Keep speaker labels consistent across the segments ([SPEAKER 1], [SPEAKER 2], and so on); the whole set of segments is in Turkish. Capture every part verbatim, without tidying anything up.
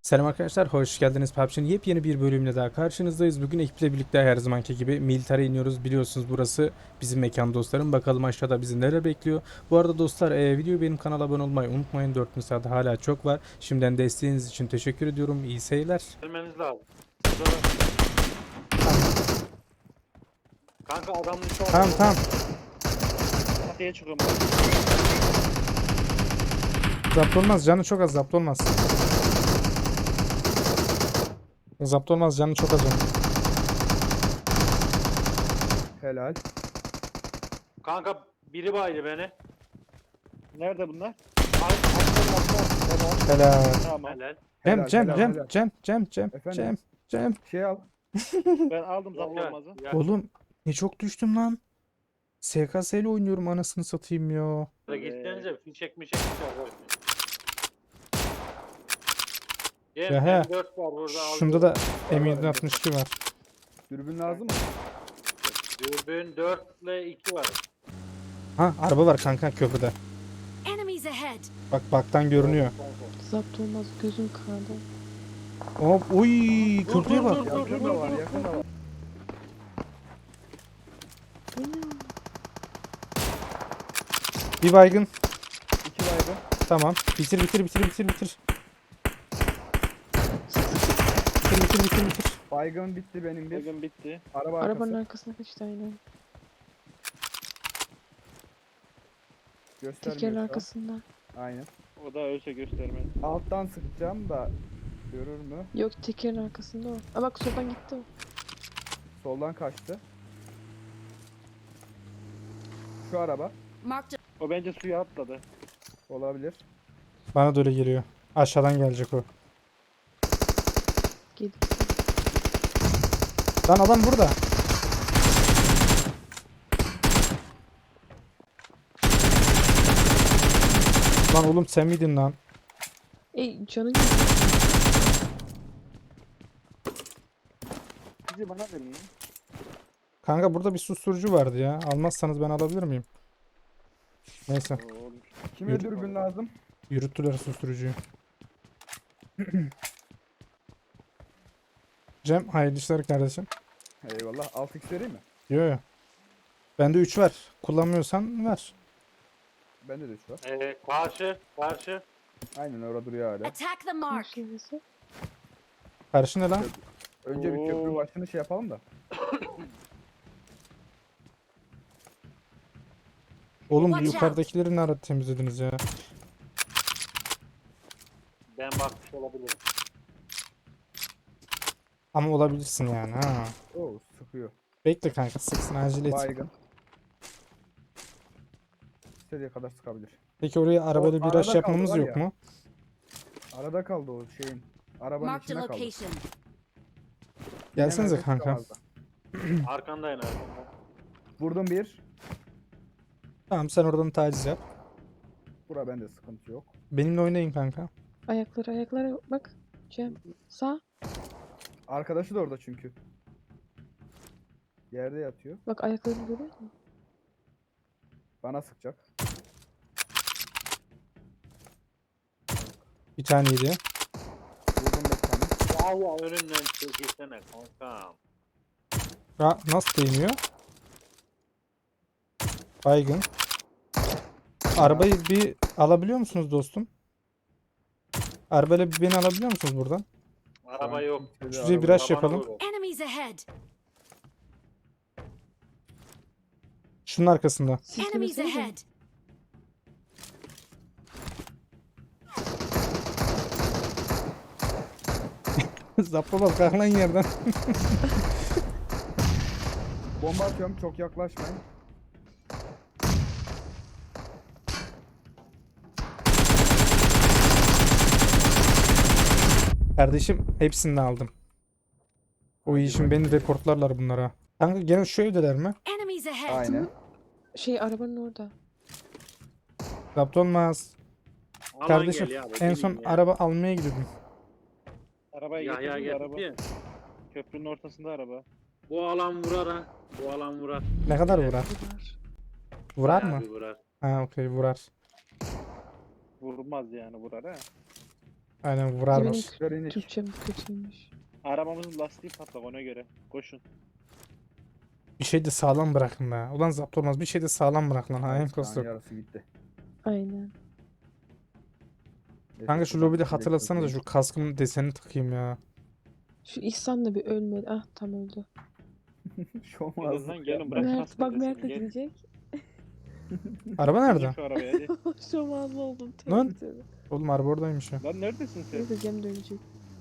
[SPEAKER 1] Selam arkadaşlar, hoş geldiniz. P U B G'nin yepyeni bir bölümle daha karşınızdayız. Bugün ekiple birlikte her zamanki gibi Militar'a iniyoruz. Biliyorsunuz burası bizim mekan dostlarım. Bakalım aşağıda bizi neler bekliyor. Bu arada dostlar e, videoyu benim kanala abone olmayı unutmayın. dört saat hala çok var. Şimdiden desteğiniz için teşekkür ediyorum. İyi seyirler.
[SPEAKER 2] Gelmeniz lazım. Burada da- Kanka adamın içi orada.
[SPEAKER 1] Tamam tamam.
[SPEAKER 2] Çatıya çıkıyorum ben.
[SPEAKER 1] Zapt olmaz. Canı çok az. Zapt olmaz. Zapt olmaz. Canı çok az onun.
[SPEAKER 3] Helal.
[SPEAKER 2] Kanka biri baydı beni. Nerede bunlar? Ay, atlar, atlar.
[SPEAKER 1] Helal.
[SPEAKER 2] Tamam. Helal.
[SPEAKER 1] Cem
[SPEAKER 3] Helal,
[SPEAKER 1] Cem
[SPEAKER 3] helal,
[SPEAKER 1] Cem
[SPEAKER 3] helal.
[SPEAKER 1] Cem Cem Cem
[SPEAKER 3] Efendim?
[SPEAKER 1] Cem Cem.
[SPEAKER 3] Şey al.
[SPEAKER 2] Ben aldım zaten olmazı.
[SPEAKER 1] Oğlum ne çok düştüm lan. S K S ile oynuyorum anasını satayım ya.
[SPEAKER 2] Gitsenize fişek mişek çıkar. Cem
[SPEAKER 1] Ya he.
[SPEAKER 2] M dört var burada.
[SPEAKER 1] Şunda da M yedi altmış iki var.
[SPEAKER 3] Dürbün lazım mı?
[SPEAKER 2] Dürbün dört ile iki var.
[SPEAKER 1] Ha araba var kanka köprüde.
[SPEAKER 4] Enemies ahead.
[SPEAKER 1] Bak baktan görünüyor.
[SPEAKER 5] Zapt olmaz, gözüm kanadı.
[SPEAKER 1] Hop uy köprüye bak.
[SPEAKER 3] Yakında var, yakında var.
[SPEAKER 1] Bir baygın.
[SPEAKER 3] İki baygın.
[SPEAKER 1] Tamam. Bitir bitir bitir bitir bitir. Bitir bitir bitir bitir.
[SPEAKER 3] Baygın bitti benim bir.
[SPEAKER 2] Bugün bitti.
[SPEAKER 3] Araba arkası.
[SPEAKER 5] Arabanın arkasına kaçtı aynen.
[SPEAKER 3] Göstermiyor
[SPEAKER 5] Tekerin
[SPEAKER 3] şu an.
[SPEAKER 5] arkasında.
[SPEAKER 3] Aynen.
[SPEAKER 2] O da ölse göstermez.
[SPEAKER 3] Alttan sıkacağım da görür mü?
[SPEAKER 5] Yok, tekerin arkasında o. Aa bak, soldan gitti o.
[SPEAKER 3] Soldan kaçtı. Şu araba
[SPEAKER 4] Marked
[SPEAKER 2] O bence suya atladı.
[SPEAKER 3] olabilir.
[SPEAKER 1] Bana da öyle geliyor. Aşağıdan gelecek o.
[SPEAKER 5] Gel.
[SPEAKER 1] Lan adam burada. Lan oğlum sen miydin lan?
[SPEAKER 5] Ey canın gitti.
[SPEAKER 2] Bizi bana verin lan.
[SPEAKER 1] Kanka burada bir susturucu vardı ya. Almazsanız ben alabilir miyim? Neyse.
[SPEAKER 3] Kime
[SPEAKER 1] Yürü.
[SPEAKER 3] dürbün lazım?
[SPEAKER 1] Yürüttüler susturucuyu. Cem hayırlı işler kardeşim.
[SPEAKER 3] Eyvallah. altı x vereyim mi?
[SPEAKER 1] Yo yo. Bende üç var. Kullanmıyorsan ver.
[SPEAKER 3] Bende de üç var.
[SPEAKER 2] Ee, karşı, karşı.
[SPEAKER 3] Aynen orada duruyor hala.
[SPEAKER 4] attack the mark.
[SPEAKER 5] Markası.
[SPEAKER 1] Karşı ne lan?
[SPEAKER 3] Önce bir köprü
[SPEAKER 2] Oo.
[SPEAKER 3] başını şey yapalım da.
[SPEAKER 1] Oğlum bu
[SPEAKER 4] Watch out.
[SPEAKER 1] yukarıdakileri ne ara temizlediniz ya?
[SPEAKER 2] Ben bakmış olabilirim.
[SPEAKER 1] Ama olabilirsin yani ha.
[SPEAKER 3] Oo sıkıyor.
[SPEAKER 1] Bekle kanka sıksın acele et.
[SPEAKER 3] Baygın. İstediği kadar sıkabilir.
[SPEAKER 1] Peki oraya arabayla bir
[SPEAKER 3] arada
[SPEAKER 1] rush yapmamız
[SPEAKER 3] kaldı var
[SPEAKER 1] yok
[SPEAKER 3] ya.
[SPEAKER 1] mu?
[SPEAKER 3] Arada kaldı o şeyin. Arabanın
[SPEAKER 4] Marked a
[SPEAKER 3] içinde kaldı.
[SPEAKER 4] location.
[SPEAKER 1] Gelsenize
[SPEAKER 3] Bilemezdi,
[SPEAKER 1] kanka.
[SPEAKER 3] çıkamazdı.
[SPEAKER 2] Arkandayım arkanda.
[SPEAKER 3] Vurdum bir.
[SPEAKER 1] Tamam sen oradan taciz yap.
[SPEAKER 3] Bura bende sıkıntı yok.
[SPEAKER 1] Benimle oynayın kanka.
[SPEAKER 5] Ayakları ayakları bak. Cem. Sağ.
[SPEAKER 3] Arkadaşı da orada çünkü. Yerde yatıyor.
[SPEAKER 5] Bak ayaklarını görüyor musun?
[SPEAKER 3] Bana sıkacak.
[SPEAKER 1] Bir tane yedi.
[SPEAKER 3] Vurdum bir tane.
[SPEAKER 2] Valla önünden çekilsene kankam.
[SPEAKER 1] Ha, nasıl değmiyor? Baygın. Arabayı bir alabiliyor musunuz dostum? Arabayla bir beni alabiliyor musunuz buradan?
[SPEAKER 2] Araba yok.
[SPEAKER 3] Kimsede
[SPEAKER 1] Şuraya
[SPEAKER 3] araba
[SPEAKER 1] bir
[SPEAKER 3] yok.
[SPEAKER 1] rush yapalım.
[SPEAKER 4] Enemies ahead.
[SPEAKER 1] Şunun arkasında.
[SPEAKER 4] Enemies
[SPEAKER 5] Silkelesene.
[SPEAKER 4] ahead.
[SPEAKER 1] Zappa bak kalk lan yerden.
[SPEAKER 3] Bomba atıyorum, çok yaklaşmayın.
[SPEAKER 1] Kardeşim hepsini aldım. O iyi şimdi beni reportlarlar bunlara. Kanka gene şu evdeler mi?
[SPEAKER 4] Enemies ahead.
[SPEAKER 3] Aynen.
[SPEAKER 5] Şey, arabanın orada.
[SPEAKER 1] Zapt olmaz.
[SPEAKER 2] Alan
[SPEAKER 1] Kardeşim
[SPEAKER 2] gel ya,
[SPEAKER 1] en
[SPEAKER 2] benim
[SPEAKER 1] son
[SPEAKER 2] ya.
[SPEAKER 1] araba almaya gidiyordum.
[SPEAKER 2] Arabayı
[SPEAKER 6] Ya ya
[SPEAKER 2] getirdim de araba.
[SPEAKER 6] getirdi ya.
[SPEAKER 2] Köprünün ortasında araba.
[SPEAKER 6] Bu alan vurar ha. Bu alan vurar.
[SPEAKER 1] Ne kadar vurar?
[SPEAKER 5] Bunlar.
[SPEAKER 1] Vurar
[SPEAKER 6] Bayağı
[SPEAKER 1] mı?
[SPEAKER 6] bir vurar.
[SPEAKER 1] Ha okey vurar.
[SPEAKER 2] Vurmaz yani vurar ha.
[SPEAKER 1] Aynen
[SPEAKER 5] Benim
[SPEAKER 1] vurarmış.
[SPEAKER 3] Görenik.
[SPEAKER 5] Türkçem kötüymüş.
[SPEAKER 2] Arabamızın lastiği patlak ona göre. Koşun.
[SPEAKER 1] Bir şey de sağlam bırakın be. Ulan zapt olmaz. Bir şey de sağlam bırak lan. Hain
[SPEAKER 3] Şu an
[SPEAKER 1] kostok.
[SPEAKER 3] yarısı gitti.
[SPEAKER 5] Aynen.
[SPEAKER 1] Kanka şu lobide hatırlatsana da şu kaskımın desenini takayım ya.
[SPEAKER 5] Şu İhsan da bir ölmedi. Ah tam öldü.
[SPEAKER 3] Şu
[SPEAKER 2] Gelin
[SPEAKER 3] an
[SPEAKER 2] lan gelin bırak
[SPEAKER 5] Mert
[SPEAKER 2] kaskı
[SPEAKER 5] bak
[SPEAKER 2] deseni,
[SPEAKER 5] Mert de
[SPEAKER 2] gel.
[SPEAKER 5] gidecek.
[SPEAKER 1] Araba
[SPEAKER 2] Bindim
[SPEAKER 1] nerede?
[SPEAKER 2] Şu arabaya hadi.
[SPEAKER 5] Şomazlı oldum.
[SPEAKER 1] Lan.
[SPEAKER 5] Tövbe tövbe.
[SPEAKER 1] Oğlum araba oradaymış ya.
[SPEAKER 2] Lan neredesin sen?
[SPEAKER 5] Neyse Cem de ölecek.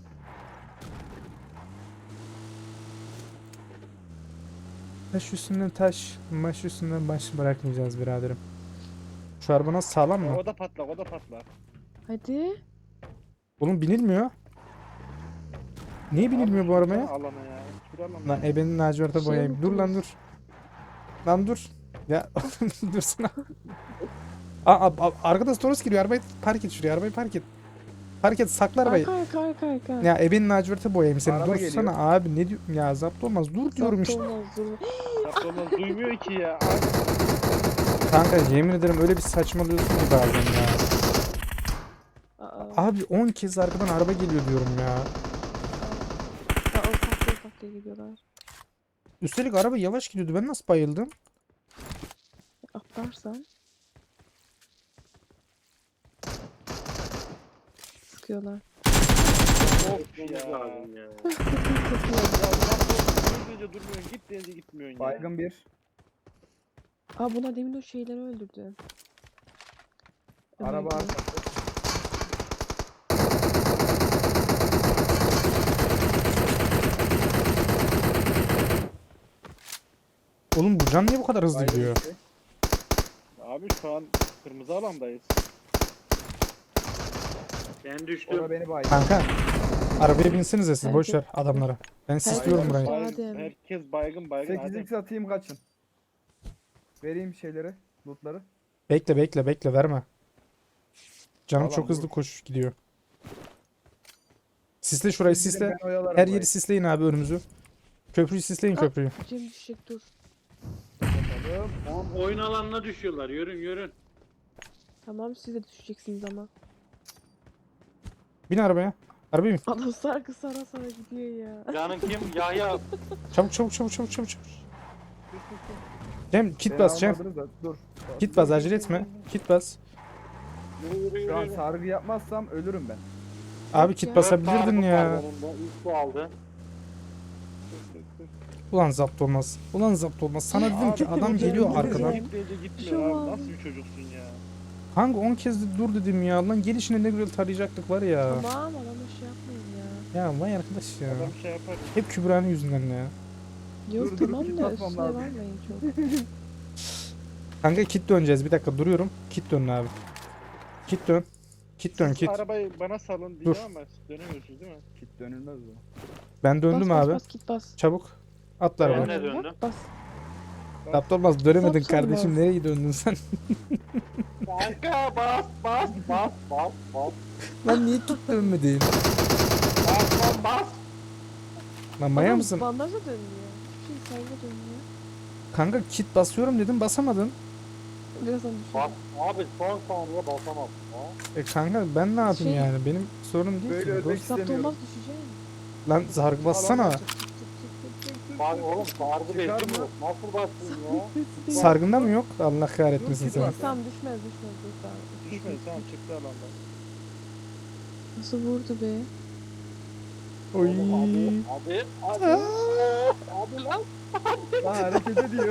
[SPEAKER 1] Taş üstünden taş, maş üstünden baş bırakmayacağız biraderim. Şu araba nasıl sağlam mı?
[SPEAKER 2] O da patlak o da patlak.
[SPEAKER 5] Hadi.
[SPEAKER 1] Oğlum binilmiyor. Niye binilmiyor bu
[SPEAKER 2] Abi,
[SPEAKER 1] arabaya?
[SPEAKER 2] Alana ya. Hiçbir alana.
[SPEAKER 1] Lan ebenin laciverte
[SPEAKER 5] Şey
[SPEAKER 1] boyayayım. Dur lan dur.
[SPEAKER 5] unuttunuz.
[SPEAKER 1] Lan dur. Ya dursana. Aa, aa, arkada Toros giriyor. Arabayı park et şuraya. Arabayı park et. Park et sakla arabayı.
[SPEAKER 5] Arka arka arka arka.
[SPEAKER 1] Ya ebenin laciverte boyayayım seni.
[SPEAKER 3] Araba
[SPEAKER 1] Dursana
[SPEAKER 3] geliyor.
[SPEAKER 1] abi ne diyorsun ya zapt olmaz. Dur diyorum
[SPEAKER 5] Zapt
[SPEAKER 1] işte.
[SPEAKER 5] olmaz, dur.
[SPEAKER 2] Zapt olmaz duymuyor ki ya. Abi,
[SPEAKER 1] Kanka yemin ederim öyle bir saçmalıyorsun ki bazen ya.
[SPEAKER 5] Aa,
[SPEAKER 1] Abi on kez arkadan araba geliyor diyorum ya.
[SPEAKER 5] aa, ufak ufak diye gidiyorlar.
[SPEAKER 1] Üstelik araba yavaş gidiyordu. Ben nasıl bayıldım?
[SPEAKER 5] Atlarsan. Sıkıyorlar.
[SPEAKER 2] of ya.
[SPEAKER 6] Lazım ya.
[SPEAKER 2] Ya zapt olmaz. Dur deyince durmuyorsun. Git deyince gitmiyorsun ya.
[SPEAKER 3] Baygın bir.
[SPEAKER 5] Aa bunlar demin o şeyleri öldürdü.
[SPEAKER 3] Araba
[SPEAKER 5] Ömer'i.
[SPEAKER 3] arkası.
[SPEAKER 1] Oğlum bu can niye bu kadar hızlı
[SPEAKER 3] Baygın
[SPEAKER 1] gidiyor?
[SPEAKER 3] iki.
[SPEAKER 2] Abi şu an kırmızı alandayız.
[SPEAKER 6] Ben
[SPEAKER 3] O da
[SPEAKER 6] düştüm.
[SPEAKER 3] beni baygın.
[SPEAKER 1] Kanka arabaya binsinize siz boş ver
[SPEAKER 5] Herkes-
[SPEAKER 1] adamlara. Ben
[SPEAKER 5] Herkes
[SPEAKER 1] sisliyorum burayı.
[SPEAKER 5] uçağı-
[SPEAKER 2] Baygın-
[SPEAKER 5] Adem.
[SPEAKER 2] herkes baygın baygın.
[SPEAKER 3] sekiz
[SPEAKER 2] Adem.
[SPEAKER 3] x atayım kaçın. Vereyim şeyleri. Lootları.
[SPEAKER 1] Bekle bekle bekle verme. Canım
[SPEAKER 3] Tamam,
[SPEAKER 1] çok hızlı
[SPEAKER 3] vur.
[SPEAKER 1] koş gidiyor. Sisle şurayı
[SPEAKER 3] Siz gidin,
[SPEAKER 1] sisle.
[SPEAKER 3] ben oyalarım
[SPEAKER 1] Her
[SPEAKER 3] burayı.
[SPEAKER 1] yeri sisleyin abi önümüzü. Köprüyü sisleyin
[SPEAKER 5] Ah.
[SPEAKER 1] köprüyü.
[SPEAKER 5] Cem düşecek dur.
[SPEAKER 3] Bakalım.
[SPEAKER 6] Tamam, oyun alanına düşüyorlar. Yürün yürün.
[SPEAKER 5] Tamam siz de düşeceksiniz ama.
[SPEAKER 1] Bin arabaya. Arabaya bin.
[SPEAKER 5] Adam sarkı sara sara gidiyor ya.
[SPEAKER 6] Canın kim? Yahya.
[SPEAKER 1] Çabuk çabuk çabuk çabuk çabuk çabuk. Cem kit
[SPEAKER 3] Beni
[SPEAKER 1] bas Cem.
[SPEAKER 3] almadınız da, Dur.
[SPEAKER 1] Kit bas acele etme. Kit bas.
[SPEAKER 6] Yürü yürü
[SPEAKER 3] Şu an
[SPEAKER 6] yürü.
[SPEAKER 3] sargı yapmazsam ölürüm ben.
[SPEAKER 1] Abi
[SPEAKER 5] Yok
[SPEAKER 1] kit
[SPEAKER 5] ya.
[SPEAKER 1] basabilirdin ya.
[SPEAKER 6] Yanında, ilk bu aldı.
[SPEAKER 1] Ulan zapt olmaz. Ulan zapt olmaz. Sana dedim ki
[SPEAKER 2] Abi,
[SPEAKER 1] adam
[SPEAKER 2] dur
[SPEAKER 1] geliyor
[SPEAKER 2] deyince
[SPEAKER 1] arkadan.
[SPEAKER 2] Git deyince gitmiyor
[SPEAKER 5] Şu
[SPEAKER 2] abi.
[SPEAKER 5] an-
[SPEAKER 2] Nasıl bir çocuksun ya?
[SPEAKER 1] Hangi on kez de dur dedim ya. Lan gelişine ne güzel tarayacaktık var ya.
[SPEAKER 5] Tamam adamı şey yapmayın ya.
[SPEAKER 1] Ya vay arkadaş ya.
[SPEAKER 2] Adam şey yapar.
[SPEAKER 1] Hep Kübra'nın yüzünden ya.
[SPEAKER 5] Yok
[SPEAKER 3] Dur, dur,
[SPEAKER 5] tamam
[SPEAKER 3] kit
[SPEAKER 5] da
[SPEAKER 3] basmam
[SPEAKER 5] üstüne
[SPEAKER 3] lazım.
[SPEAKER 5] vermeyin çok.
[SPEAKER 1] Kanka kit döneceğiz. Bir dakika duruyorum. Kit dön abi. Kit dön. Kit dön
[SPEAKER 2] Siz
[SPEAKER 1] kit.
[SPEAKER 2] Arabayı bana salın diyeceğim ama siz dönemiyorsunuz değil mi?
[SPEAKER 3] Kit dönülmez o.
[SPEAKER 1] Ben döndüm
[SPEAKER 5] bas,
[SPEAKER 1] abi.
[SPEAKER 5] Bas bas git bas.
[SPEAKER 1] Çabuk. Atlar
[SPEAKER 6] Ben
[SPEAKER 1] bana.
[SPEAKER 6] de döndüm.
[SPEAKER 5] Bak, Bas.
[SPEAKER 1] Zapt olmaz. Dönemedin
[SPEAKER 5] Zapt
[SPEAKER 1] kardeşim.
[SPEAKER 5] olmaz.
[SPEAKER 1] Nereye döndün sen?
[SPEAKER 6] Kanka bas bas bas bas bas.
[SPEAKER 1] Lan niye kit dönmedin?
[SPEAKER 6] Bas bas bas.
[SPEAKER 1] Lan maya
[SPEAKER 5] Adam
[SPEAKER 1] mısın?
[SPEAKER 5] Bandajla dönüyor. Hiçbir şey sayıda dönüyor.
[SPEAKER 1] Kanka kit basıyorum dedim basamadın.
[SPEAKER 5] Birazdan düşüyor.
[SPEAKER 6] Bas. Abi son saniye basamam. Ha?
[SPEAKER 1] E kanka ben ne yapayım
[SPEAKER 5] Şey-
[SPEAKER 1] yani? Benim sorunum değil
[SPEAKER 3] Böyle
[SPEAKER 1] ki.
[SPEAKER 3] ölmek
[SPEAKER 1] Dost.
[SPEAKER 5] Zapt
[SPEAKER 3] istemiyorum.
[SPEAKER 5] olmaz düşeceğim.
[SPEAKER 1] Lan zargı bassana.
[SPEAKER 5] Çık, çık, çık, çık, çık, çık, çık.
[SPEAKER 6] Bak oğlum sargı
[SPEAKER 3] Çıkar
[SPEAKER 6] bezim
[SPEAKER 3] mı?
[SPEAKER 6] yok. Nasıl bastın ya?
[SPEAKER 1] Sargında mı yok? Allah kahretmesin
[SPEAKER 3] Yok,
[SPEAKER 1] seni.
[SPEAKER 3] var.
[SPEAKER 5] Tamam düşmez düşmez. Dur, tamam.
[SPEAKER 2] Düşmedi tamam çıktı alandan.
[SPEAKER 5] Nasıl vurdu be?
[SPEAKER 1] Oy.
[SPEAKER 6] Oğlum Abi abi abi. Abi lan.
[SPEAKER 3] Lan hareket ediyor.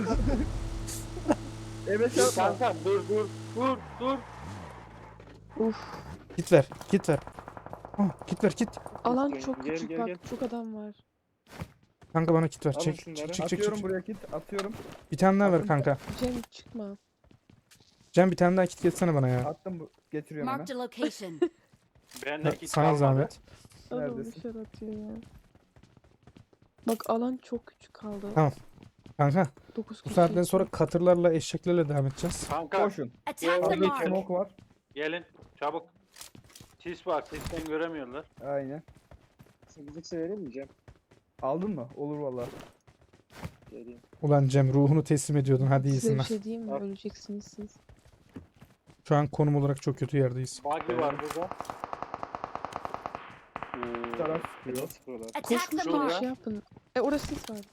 [SPEAKER 3] Evet yapma.
[SPEAKER 6] Kanka dur dur dur dur.
[SPEAKER 5] Uf.
[SPEAKER 1] Git ver. Git ver. Oh, git ver git.
[SPEAKER 5] Alan
[SPEAKER 2] Gel,
[SPEAKER 5] çok
[SPEAKER 2] gel,
[SPEAKER 5] küçük
[SPEAKER 2] gel,
[SPEAKER 5] bak.
[SPEAKER 2] gel.
[SPEAKER 5] Çok adam var.
[SPEAKER 1] Kanka bana kit ver.
[SPEAKER 2] Alın
[SPEAKER 1] Çek.
[SPEAKER 2] şunları.
[SPEAKER 1] Çık çık çık çık.
[SPEAKER 3] Atıyorum
[SPEAKER 1] çık.
[SPEAKER 3] buraya kit. Atıyorum.
[SPEAKER 1] Bir tane daha ver
[SPEAKER 3] Atın.
[SPEAKER 1] kanka.
[SPEAKER 5] Cem çıkma.
[SPEAKER 1] Cem bir tane daha kit getsene bana ya.
[SPEAKER 3] Attım bu. Getiriyorum hemen.
[SPEAKER 4] Marked a location.
[SPEAKER 6] Ben de hiç
[SPEAKER 1] Sana
[SPEAKER 6] kalmadı.
[SPEAKER 1] zahmet.
[SPEAKER 5] Adam
[SPEAKER 3] Neredesin?
[SPEAKER 5] dışarı atıyor ya. Bak alan çok küçük kaldı.
[SPEAKER 1] Tamam. Kanka
[SPEAKER 5] dokuz
[SPEAKER 1] bu
[SPEAKER 5] kişi.
[SPEAKER 1] saatten sonra katırlarla eşeklerle devam edeceğiz.
[SPEAKER 6] Kanka
[SPEAKER 3] Koşun.
[SPEAKER 4] Attack the
[SPEAKER 6] Gelin.
[SPEAKER 4] mark.
[SPEAKER 3] Smoke var.
[SPEAKER 6] gelin çabuk. Sis var sisten göremiyorlar.
[SPEAKER 3] Aynen.
[SPEAKER 2] sekiz x vereyim mi Cem?
[SPEAKER 3] Aldın mı? Olur valla.
[SPEAKER 2] Vereyim.
[SPEAKER 1] Ulan Cem ruhunu teslim ediyordun. Hadi
[SPEAKER 5] Size
[SPEAKER 1] iyisin
[SPEAKER 5] bir
[SPEAKER 1] lan.
[SPEAKER 5] şey diyeyim mi?
[SPEAKER 2] Al.
[SPEAKER 5] Öleceksiniz siz.
[SPEAKER 1] Şu an konum olarak çok kötü yerdeyiz.
[SPEAKER 6] Buggy var burada.
[SPEAKER 2] Oo,
[SPEAKER 3] taraf
[SPEAKER 2] fena
[SPEAKER 3] sıkıyor.
[SPEAKER 2] sıkıyorlar.
[SPEAKER 4] Attack
[SPEAKER 5] Koş
[SPEAKER 4] the
[SPEAKER 5] koş
[SPEAKER 2] Şurada.
[SPEAKER 5] koş
[SPEAKER 4] mark.
[SPEAKER 5] şey yapın. E orası sis vardı.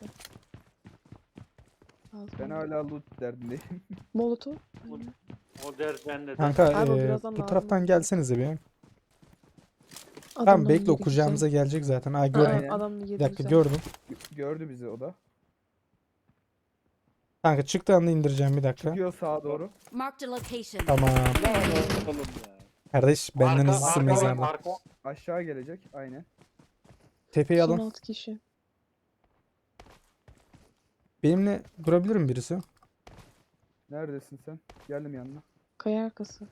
[SPEAKER 5] Ağzına
[SPEAKER 3] Ben
[SPEAKER 5] bak.
[SPEAKER 3] hala loot derdindeyim.
[SPEAKER 5] Molotov.
[SPEAKER 2] Bu-
[SPEAKER 5] Aynen.
[SPEAKER 2] O dert bende de.
[SPEAKER 1] Kanka
[SPEAKER 5] Abi o
[SPEAKER 1] e,
[SPEAKER 5] birazdan
[SPEAKER 1] bu
[SPEAKER 5] lazım
[SPEAKER 1] taraftan
[SPEAKER 5] olacak.
[SPEAKER 1] gelsenize bir. Tamam
[SPEAKER 5] Adamın
[SPEAKER 1] bekle o
[SPEAKER 5] yeri
[SPEAKER 1] kucağımıza
[SPEAKER 5] güzel.
[SPEAKER 1] gelecek zaten. Aa
[SPEAKER 5] Aa,
[SPEAKER 1] gördüm.
[SPEAKER 3] Aynen.
[SPEAKER 5] adamın
[SPEAKER 1] Bir
[SPEAKER 5] yeri
[SPEAKER 1] dakika
[SPEAKER 5] güzel.
[SPEAKER 1] gördüm.
[SPEAKER 3] Gö- Gördü bizi o da.
[SPEAKER 1] Kanka çıktığı anda indireceğim bir dakika.
[SPEAKER 3] Çıkıyor sağa doğru.
[SPEAKER 4] Marked a location.
[SPEAKER 1] Tamam.
[SPEAKER 2] Lan oğlum ya.
[SPEAKER 1] Kardeş benden
[SPEAKER 6] Arka,
[SPEAKER 1] hızlısı
[SPEAKER 6] arka var,
[SPEAKER 1] mezarda.
[SPEAKER 6] arka.
[SPEAKER 3] Aşağı gelecek. Aynen.
[SPEAKER 1] Tepeyi
[SPEAKER 5] Son
[SPEAKER 1] alın.
[SPEAKER 5] altı kişi.
[SPEAKER 1] Benimle durabilir mi birisi?
[SPEAKER 3] Neredesin sen? Geldim yanına.
[SPEAKER 5] Kaya arkası.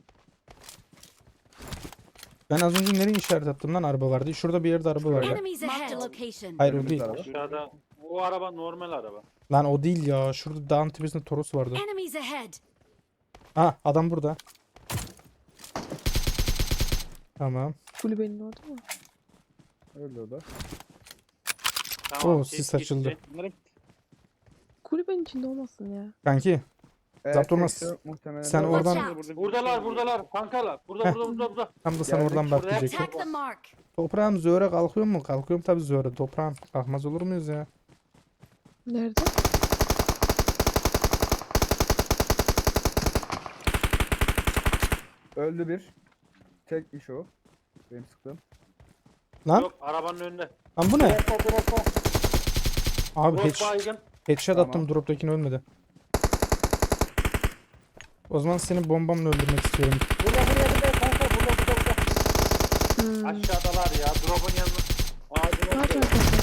[SPEAKER 1] Ben az önce nereye işaret attım lan araba vardı. Şurada bir yerde araba vardı.
[SPEAKER 4] Enemies ahead. Marked a location.
[SPEAKER 1] Hayır o
[SPEAKER 3] Önümüzde
[SPEAKER 1] değil.
[SPEAKER 3] araba.
[SPEAKER 6] Aşağıda. Bu araba normal araba.
[SPEAKER 1] Lan o değil ya. Şurada dağın tepesinde Toros vardı.
[SPEAKER 4] Enemies ahead.
[SPEAKER 1] Ha adam burada. Tamam.
[SPEAKER 5] Kulübenin orada mı?
[SPEAKER 3] Öyle o da.
[SPEAKER 6] Tamam,
[SPEAKER 1] Oo,
[SPEAKER 6] sis
[SPEAKER 1] sis
[SPEAKER 6] gitti.
[SPEAKER 1] açıldı.
[SPEAKER 2] Bunları
[SPEAKER 5] Kulübenin içinde olmasın ya.
[SPEAKER 1] Kanki
[SPEAKER 3] Eğer
[SPEAKER 1] Zapt olmaz.
[SPEAKER 3] tekse muhtemelen
[SPEAKER 1] Sen
[SPEAKER 3] de-
[SPEAKER 1] oradan-
[SPEAKER 4] Watch out.
[SPEAKER 2] burada bir
[SPEAKER 6] Buradalar,
[SPEAKER 2] şey
[SPEAKER 6] buradalar. Kankalar. Burada,
[SPEAKER 1] Heh.
[SPEAKER 6] burada, burada, burada.
[SPEAKER 1] tam da sen
[SPEAKER 3] Geldik,
[SPEAKER 1] oradan bak
[SPEAKER 6] şuraya.
[SPEAKER 1] diyecektim.
[SPEAKER 4] Attack the mark.
[SPEAKER 1] Toprağım zöre kalkıyor mu? Kalkıyorum tabii zöre. Toprağım kalkmaz olur muyuz ya?
[SPEAKER 5] Nerede?
[SPEAKER 3] Öldü bir. Tekmiş o. Benim sıktığım.
[SPEAKER 1] Lan
[SPEAKER 6] Yok, arabanın önünde.
[SPEAKER 1] lan bu ne?
[SPEAKER 6] Dropta, dropta.
[SPEAKER 1] Abi
[SPEAKER 6] Drop
[SPEAKER 1] head,
[SPEAKER 6] baygın.
[SPEAKER 1] headshot
[SPEAKER 3] Tamam.
[SPEAKER 1] attım drop'takini ölmedi. O zaman seni bombamla öldürmek istiyorum.
[SPEAKER 6] Burada, burada, burada. Kanka, burada, burada, burada.
[SPEAKER 5] Hmm.
[SPEAKER 6] Aşağıdalar ya. Drop'un yanında. Ağacın
[SPEAKER 5] Kaç
[SPEAKER 6] orada.
[SPEAKER 5] arkası?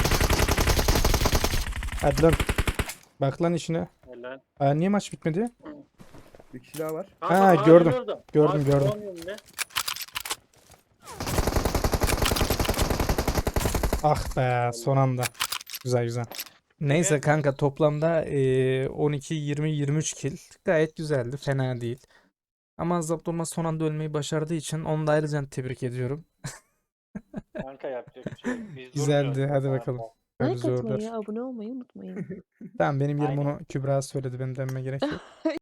[SPEAKER 1] Hadi lan. Bak lan işine.
[SPEAKER 6] Helal.
[SPEAKER 1] Aa, niye maç bitmedi?
[SPEAKER 3] Bir kişi daha var.
[SPEAKER 6] Kanka,
[SPEAKER 1] Ha,
[SPEAKER 6] ağacın
[SPEAKER 1] gördüm.
[SPEAKER 6] orada.
[SPEAKER 1] Gördüm,
[SPEAKER 6] Ağacın
[SPEAKER 1] gördüm.
[SPEAKER 6] onun önünde.
[SPEAKER 1] Ah be son anda. Güzel güzel. Neyse
[SPEAKER 6] Evet.
[SPEAKER 1] kanka toplamda eee, on iki, yirmi, yirmi üç kill. Gayet güzeldi. Fena değil. Ama Zapt olmaz son anda ölmeyi başardığı için onu da ayrıca tebrik ediyorum.
[SPEAKER 6] Kanka yapacak bir şey yok. Biz
[SPEAKER 1] Güzeldi,
[SPEAKER 6] durmuyoruz.
[SPEAKER 1] hadi bakalım. Böyle
[SPEAKER 5] Like
[SPEAKER 1] zorlar.
[SPEAKER 5] atmayı, abone olmayı unutmayın.
[SPEAKER 1] Tamam benim yerim
[SPEAKER 6] Aynen.
[SPEAKER 1] onu Kübra söyledi. Benim dememe gerek yok.